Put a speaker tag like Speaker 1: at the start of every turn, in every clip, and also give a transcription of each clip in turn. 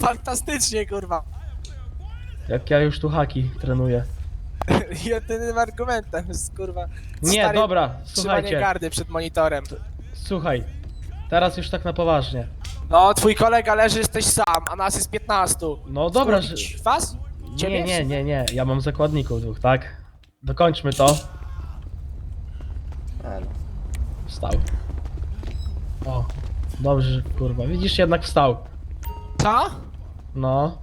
Speaker 1: fantastycznie, kurwa.
Speaker 2: Jak ja już tu haki trenuję.
Speaker 1: Jedynym argumentem jest, kurwa...
Speaker 2: Nie,
Speaker 1: stary
Speaker 2: dobra,
Speaker 1: trzymanie
Speaker 2: słuchajcie.
Speaker 1: gardy przed monitorem.
Speaker 2: Słuchaj, teraz już tak na poważnie.
Speaker 1: No, twój kolega leży, jesteś sam, a nas jest 15.
Speaker 2: No dobra, że...
Speaker 1: Skurwić was? Ciebie?
Speaker 2: Nie, ja mam zakładników dwóch, tak? Dokończmy to. Wstał. O, dobrze, kurwa, widzisz, jednak wstał.
Speaker 1: Co?
Speaker 2: No.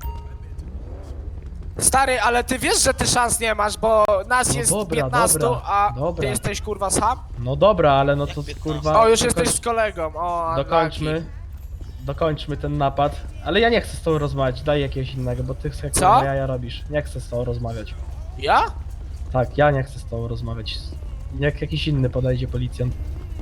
Speaker 1: Stary, ale ty wiesz, że ty szans nie masz, bo nas
Speaker 2: No
Speaker 1: jest
Speaker 2: dobra,
Speaker 1: 15,
Speaker 2: dobra,
Speaker 1: a
Speaker 2: dobra.
Speaker 1: ty jesteś, kurwa, sam?
Speaker 2: No dobra, ale no to kurwa...
Speaker 1: O, już jesteś z kolegą, o,
Speaker 2: Dokończmy. Dokończmy ten napad. Ale ja nie chcę z tobą rozmawiać, daj jakiegoś innego, bo ty jak
Speaker 1: Co?
Speaker 2: ja robisz. Nie chcę z tobą rozmawiać.
Speaker 1: Ja?
Speaker 2: Tak, ja nie chcę z tobą rozmawiać. Jak jakiś inny podejdzie policjant.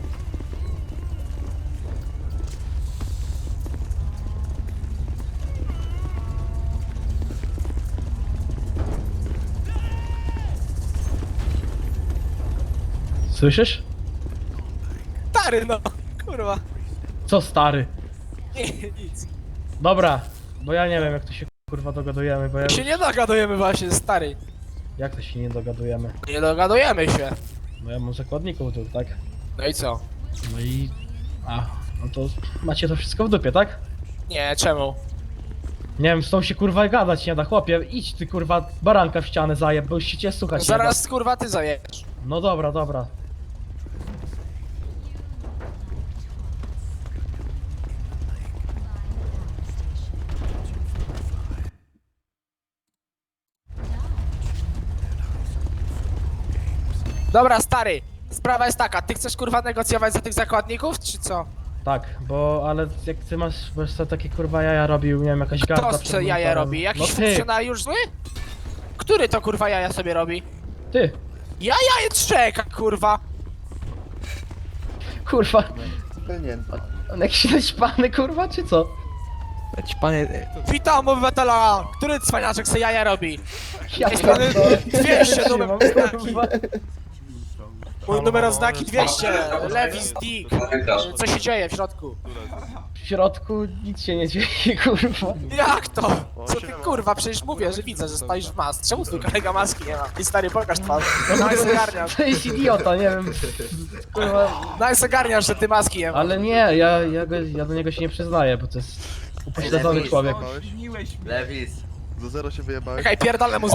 Speaker 2: Słyszysz?
Speaker 1: Stary, no, kurwa.
Speaker 2: Co stary?
Speaker 1: Nie, nic.
Speaker 2: Dobra, bo ja nie wiem jak tu się kurwa dogadujemy, bo ja...
Speaker 1: Się nie dogadujemy właśnie, stary.
Speaker 2: Jak to się nie dogadujemy?
Speaker 1: Nie dogadujemy się.
Speaker 2: No ja mam zakładników tu, tak?
Speaker 1: No i co?
Speaker 2: No i... A, no to macie to wszystko w dupie, tak?
Speaker 1: Nie, czemu?
Speaker 2: Nie wiem, z tą się kurwa gadać nie da, chłopie, idź ty kurwa baranka w ścianę zajeb, bo już się cię słuchać nie da.
Speaker 1: Zaraz, kurwa, ty zajesz.
Speaker 2: No dobra, dobra.
Speaker 1: Dobra, stary. Sprawa jest taka, ty chcesz, kurwa, negocjować za tych zakładników, czy co?
Speaker 2: Tak, bo ale jak ty masz, bo co takie kurwa jaja robił, nie wiem, jakaś garda
Speaker 1: Kto
Speaker 2: przed
Speaker 1: co jaja
Speaker 2: monitorem.
Speaker 1: robi? Jakiś
Speaker 2: No ty,
Speaker 1: funkcjonariusz zły? Który to, kurwa, jaja sobie robi?
Speaker 2: ty,
Speaker 1: Jaja czeka, kurwa.
Speaker 2: kurwa,
Speaker 3: Pylnięta.
Speaker 2: on jakiś naćpany kurwa, czy co?
Speaker 4: Panie,
Speaker 1: Witam, obywatela! Który cwaniaczek se jaja robi?
Speaker 2: Ja
Speaker 1: Jest pan 200 numer
Speaker 2: mam,
Speaker 1: znaki.
Speaker 2: kurwa.
Speaker 1: Mój numer oznaki 200. Levis, Dick. Co się dzieje w środku?
Speaker 2: W środku nic się nie dzieje, kurwa.
Speaker 1: Jak to? Co ty, kurwa? Przecież mówię, że widzę, że stoisz w mask. Czemu twój kolega maski nie ma? I stary, pokaż twarz. Daj ogarniasz.
Speaker 2: To jest idiota, nie wiem, kurwa.
Speaker 1: Daj ogarniasz, że ty maski nie ma.
Speaker 2: Ale nie, ja do niego się nie przyznaję, bo to jest upośledzony człowiek.
Speaker 3: Lewis. Do zero się wyjebałeś.
Speaker 1: Czekaj, pierdolę mu z